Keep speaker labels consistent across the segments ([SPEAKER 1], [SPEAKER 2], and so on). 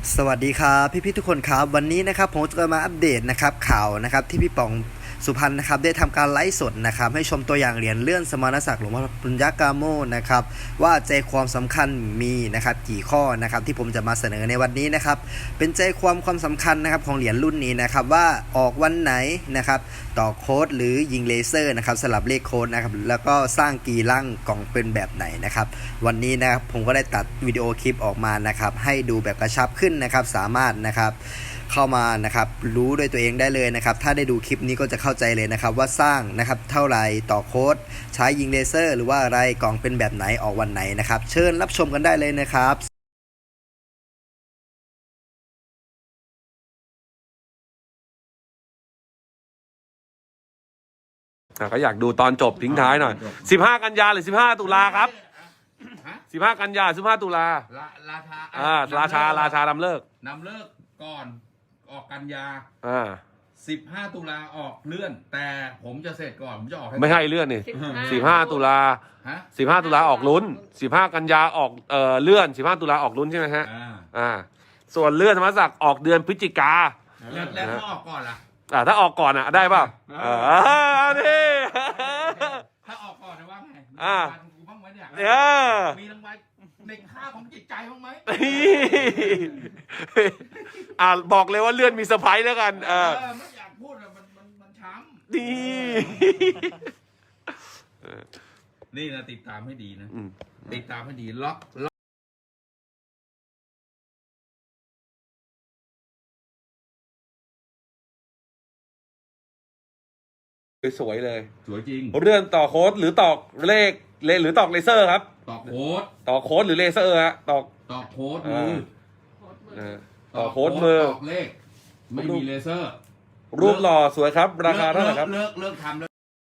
[SPEAKER 1] สวัสดีครับพี่ๆทุกคนครับวันนี้นะครับผมจะมาอัปเดตนะครับข่าวนะครับที่พี่ป๋องสุพรรณนะครับได้ทำการไลฟ์สดนะครับให้ชมตัวอย่างเหรียญเลื่อนสมณศักดิ์หลวงพ่อปุญญกาโมนะครับว่าใจความสำคัญมีนะครับกี่ข้อนะครับที่ผมจะมาเสนอในวันนี้นะครับเป็นใจความสำคัญนะครับของเหรียญรุ่นนี้นะครับว่าออกวันไหนนะครับต่อโค้ดหรือยิงเลเซอร์นะครับสลับเลขโค้ดนะครับแล้วก็สร้างกี่ร่างกล่องเป็นแบบไหนนะครับวันนี้นะครับผมก็ได้ตัดวิดีโอคลิปออกมานะครับให้ดูแบบกระชับขึ้นนะครับสามารถนะครับเข้ามานะครับรู้ด้วยตัวเองได้เลยนะครับถ้าได้ดูคลิปนี้ก็จะเข้าใจเลยนะครับว่าสร้างนะครับเท่าไหร่ต่อโค้ดใช้ยิงเลเซอร์หรือว่าอะไรกล่องเป็นแบบไหนออกวันไหนนะครับเชิญรับชมกันได้เลยนะครับ
[SPEAKER 2] ก็อยากดูตอนจบทิ้งท้ายหน่อย15 กันยาหรือ15 ตุลาครับ15 กันยา15 ตุลาราชานำเลิก
[SPEAKER 3] นำเลิกก่อนออกกันยา15 ตุลาออกเลื่อนแต่ผมจะเสร็จก่อนผมจะออกให้
[SPEAKER 2] ไม่ให้เลื่อนนี่15 ตุลา15 ตุลาออกลุ้น15 กันยาออกเลื่อน15 ตุลาออกลุ้นใช่ไหมฮะส่วนเลื่อนธรรมศักดิ์ออกเดือนพฤศจิกา
[SPEAKER 3] แล้วถ้าออกก่อนล่ะ
[SPEAKER 2] ถ้าออกก่อนได้ป่ะนี่
[SPEAKER 3] ถ้าออกก่อนนะว่าไงมีรางวัลกูบ้างไหมเนี่ยมีรางวัลในค่าของจิตใจบ้างไหม
[SPEAKER 2] บอกเลยว่าเลื่อนมีเซอร์ไพรส์แล้วกัน
[SPEAKER 3] ไม่อยากพูดมันช้ำนี่นะติดตามให้ดีนะติดตามให้ดีล็อก
[SPEAKER 2] สวยเลย
[SPEAKER 3] สวยจริง
[SPEAKER 2] เรื่องต่อโค้ดหรือตอกเลขหรือตอกเลเซอร์ครับ
[SPEAKER 3] ต่อโค้ด
[SPEAKER 2] หรือเลเซอร์ฮะตอก
[SPEAKER 3] โค้ดมือ
[SPEAKER 2] ต่อโค้ดมือ
[SPEAKER 3] ตอกเลขไม่มีเลเซอร์
[SPEAKER 2] รูปหล่อสวยครับราคาเท่าไหร่ครับ
[SPEAKER 3] เลิกทำแล้ว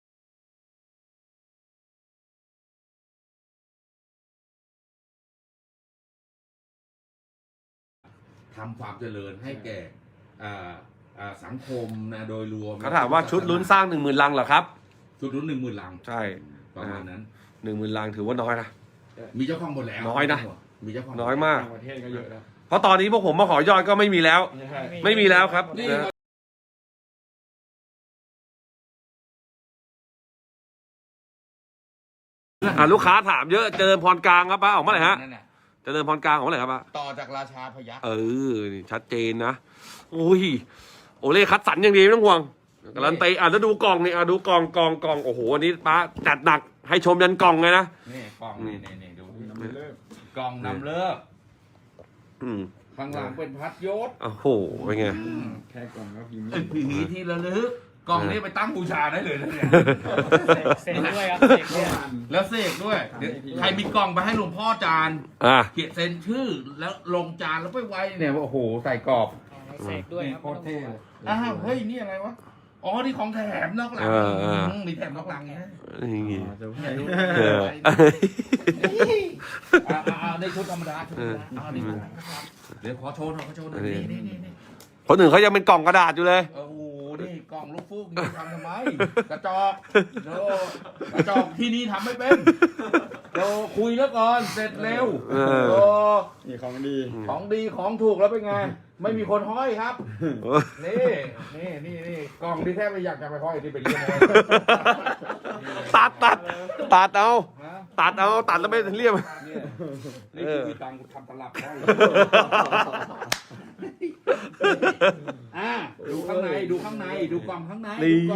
[SPEAKER 3] ทำความเจริญให้แก่สังคมนะโดยรวม
[SPEAKER 2] เขาถามว่าชุดลุ้นสร้าง 10,000 ลังเหรอครับ
[SPEAKER 3] ชุดลุ้น 10,000 ลัง
[SPEAKER 2] ใช่
[SPEAKER 3] ประมาณนั้น
[SPEAKER 2] 10,000 ลังถือว่าน้อยนะ
[SPEAKER 3] มีเจ้าของหมดแล้ว
[SPEAKER 2] น้อยนะ
[SPEAKER 3] มีเจ้าของ
[SPEAKER 2] น้อยมาก
[SPEAKER 4] ประเทศก็เยอะแล้ว
[SPEAKER 2] เพราะตอนนี้พวกผมมาขอยอดก็ไม่มีแล้วไม่มีแล้วครับลูกค้าถามเยอะเจริญพรกลางครับป้าออกเมื่อไหร่ฮะเจริญพรกลางออกเมื่อไหร่ครับป้า
[SPEAKER 3] ต่อจากราชาพยัคฆ์
[SPEAKER 2] นี่ชัดเจนนะโอเล่คัดสรรอย่างดีไม่ต้องห่วงการันตีแล้วดูกล่องนี่ดูกล่องโอ้โหอันนี้ป้าจัดหนักให้ชมยันกล่องเลยนะ
[SPEAKER 3] นี่กล่องนี่ดูกล่องนำเลิกข้างหลังเป็นพัดยศ
[SPEAKER 2] โอ้โหเป็นไง
[SPEAKER 4] แค่กล่องก็พิมพ์
[SPEAKER 3] ผีที่ระลึกกล่องนี้ไปตั้งบูชาได้เลยนะเนี่ย
[SPEAKER 4] เสกด้วยครับ
[SPEAKER 3] แล้วเสกด้วยใครมีกล่องไปให้หลวงพ่อจานเขียนเซ็นชื่อแล้วลงจานแล้วไปไว้เนี่ยโอ้โหใส่กรอบ
[SPEAKER 4] เสกด้วยครับโคตรเท่
[SPEAKER 3] เฮ้ยนี่อะไรวะอ๋อนี่ของแถมนอกหลังมีแถมนอกหลังไงในชุดธรรมดาเดี๋ยวขอโชว์หน่อยนี่
[SPEAKER 2] คนอื่นเขายังเป็นกล่องกระดาษอยู่เลย
[SPEAKER 3] โอ้โหนี่กล่องลูกฟูกนี่ทำไมกระจอกกระจอกที่นี่ทำไม่เป็นคุยแล้วก่อนเสร็จเร็ว
[SPEAKER 4] นี่ของดี
[SPEAKER 3] ของถูกแล้วเป็นไงไม่มีคนห้อยครับนี่กล่องที่แทบไม่อยากจะไปห้อยที่เป็นเรื่อง
[SPEAKER 2] ตัดเอาแล้วไม่เรียบ
[SPEAKER 3] นี่คือมีตังค์ทำตลับห้อยดูข้างในดูกล่องข้างใน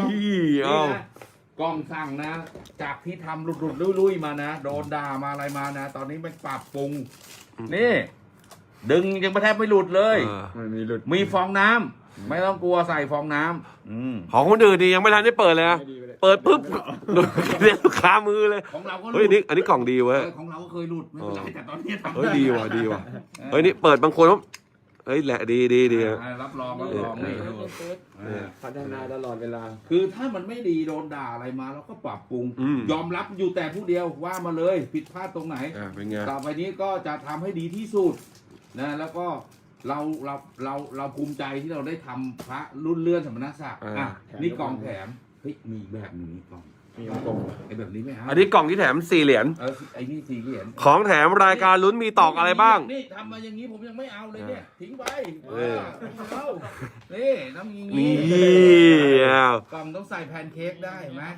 [SPEAKER 3] กล่องสั่งนะจากที่ทำหลุดลุยมานะโดนด่ามาอะไรมานะตอนนี้มันปรับปรุงนี่ดึงยังแทบไม่หลุดเลยมีฟองน้ำไม่ต้องกลัวใส่ฟองน้ำ
[SPEAKER 2] ของคนอื่นนี่ยังไม่ทันได้เปิดเลยนะเปิดปุ๊บเรียกลูกค้ามือเลย
[SPEAKER 3] ของเราก็
[SPEAKER 2] เฮ้ยอันนี้กล่องดีเว้ย
[SPEAKER 3] ของเราก็เคยหลุดไม่เป็นไรแต่ตอนนี้ทำ
[SPEAKER 2] ดีว่ะเฮ้ยนี่เปิดบางคนเฮ้ยแหละดี
[SPEAKER 3] รับรองนี่
[SPEAKER 4] พัฒนาตลอดเวลา
[SPEAKER 3] คือถ้ามันไม่ดีโดนด่าอะไรมาเราก็ปรับปรุงยอมรับอยู่แต่ผู้เดียวว่ามาเลยผิดพลาดตรงไหนต่อไปนี้ก็จะทำให้ดีที่สุดนะแล้วก็เราภูมิใจที่เราได้ทำพระรุ่นเลื่อนสมณศักดิ์นี่กล่องแถมเฮ้ยมีแบบนี้กล่อง
[SPEAKER 4] มีวงกลม
[SPEAKER 3] ไอ้แบบนี้ไม่เอา
[SPEAKER 2] อันนี้กล่องที่แถม4 เหรียญ
[SPEAKER 3] ไอ้นี่4 เหรียญ
[SPEAKER 2] ของแถมรายการลุ้นมีตอกอะไรบ้าง
[SPEAKER 3] นี่ทำมาอย่างนี้ผมยังไม่เอาเลยเนี่ยทิ้งไป
[SPEAKER 2] เออ
[SPEAKER 3] เอานี่น้ำอย่าง
[SPEAKER 2] นี่
[SPEAKER 3] นี้กล่องต้องใส่แพนเค้กได้เห็นไหม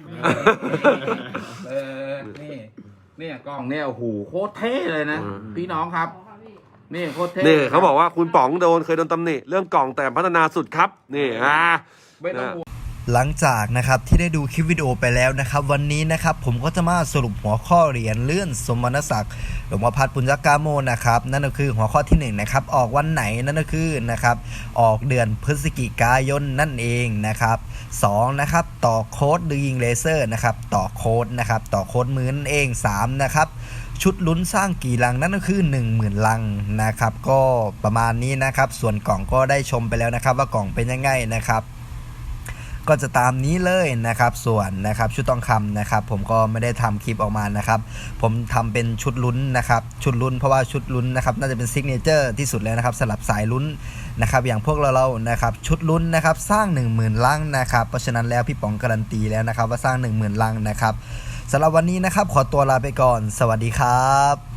[SPEAKER 3] นี่เนี่ยกล่องเนี่ยโอ้โหโคตรเท่เลยนะ พี่น้องครับ นี่โคตรเท่
[SPEAKER 2] นี่เขาบอกว่าคุณป๋องเคยโดนตำหนิเรื่องกล่องแต่พัฒนาสุดครับนี่
[SPEAKER 3] ไม่ต้องห่วง
[SPEAKER 1] หลังจากนะครับที่ได้ดูคลิปวิดีโอไปแล้วนะครับวันนี้นะครับผมก็จะมาสรุปหัวข้อเหรียญเลื่อนสมณศักดิ์หลวงพ่อพัดปุญญกาโมนะครับนั่นก็คือหัวข้อที่1นะครับออกวันไหนนั่นก็คือนะครับออกเดือนพฤศจิกายนนั่นเองนะครับ2นะครับต่อโค้ดดูยิงเลเซอร์นะครับต่อโค้ดนะครับต่อโค้ดมือนั่นเอง3นะครับชุดลุ้นสร้างกี่ลังนั่นก็คือ 10,000 ลังนะครับก็ประมาณนี้นะครับส่วนกล่องก็ได้ชมไปแล้วนะครับว่ากล่องเป็นยังไงนะครับก็จะตามนี้เลยนะครับส่วนนะครับชุดทองคำนะครับผมก็ไม่ได้ทำคลิปออกมานะครับผมทำเป็นชุดลุ้นนะครับชุดลุ้นเพราะว่าชุดลุ้นนะครับน่าจะเป็นซิกเนเจอร์ที่สุดแล้วนะครับสำหรับสายลุ้นนะครับอย่างพวกเรานะครับชุดลุ้นนะครับสร้าง 10,000 ลังนะครับเพราะฉะนั้นแล้วพี่ป๋องการันตีแล้วนะครับว่าสร้าง 10,000 ลังนะครับสำหรับวันนี้นะครับขอตัวลาไปก่อนสวัสดีครับ